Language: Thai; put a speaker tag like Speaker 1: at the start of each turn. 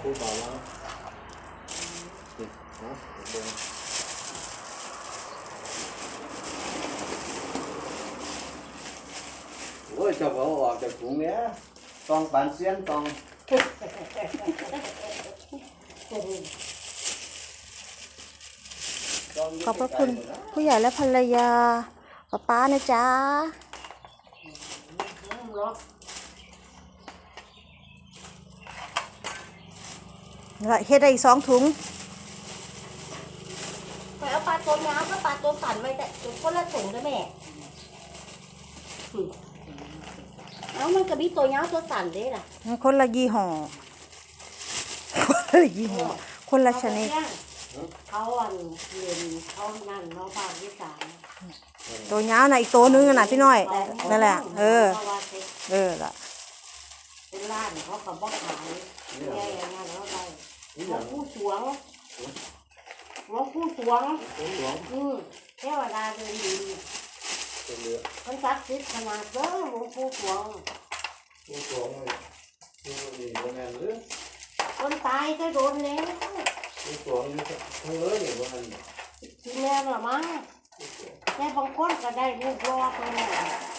Speaker 1: พูดเบาแล้วนะเดี๋ยวโอ้ยเจ้าเขาออกจากถุงเนี้ยต้องปานเสี้ยนต้อง
Speaker 2: ขอบพระคุณผู้ใหญ่และภรรยาป้านะจ๊ะเฮ็ดได้อีก2 ถุง
Speaker 3: ไปเอาปลาตัวน้ำก็ปลาตัวสั่นไว้แต่คนละถุงได้แม่เอามันก็มีตัวน้ำตัวสั่นได้ล่ะ
Speaker 2: คนละยี่ห้อคนละชนิด
Speaker 3: เขาเรียนเขานั่นน้องภาคที่3
Speaker 2: ตัวย้าวน่ะอีกตัวนึงน่ะพี่น้อยนั่นแหละล่ะ
Speaker 3: เป็นร้านเขาก็บอกขายแย่อย่างนั้นแล้วได้หลวงปู่สวงเทวดาเดินดินมันศักดิ์สิทธิ์ขนาดเด้อหลวงปู่สวงคนตายก็โดนแล้วทีแม่หรอมั้งแม่บางคนก็ได้ลูกรอดเลย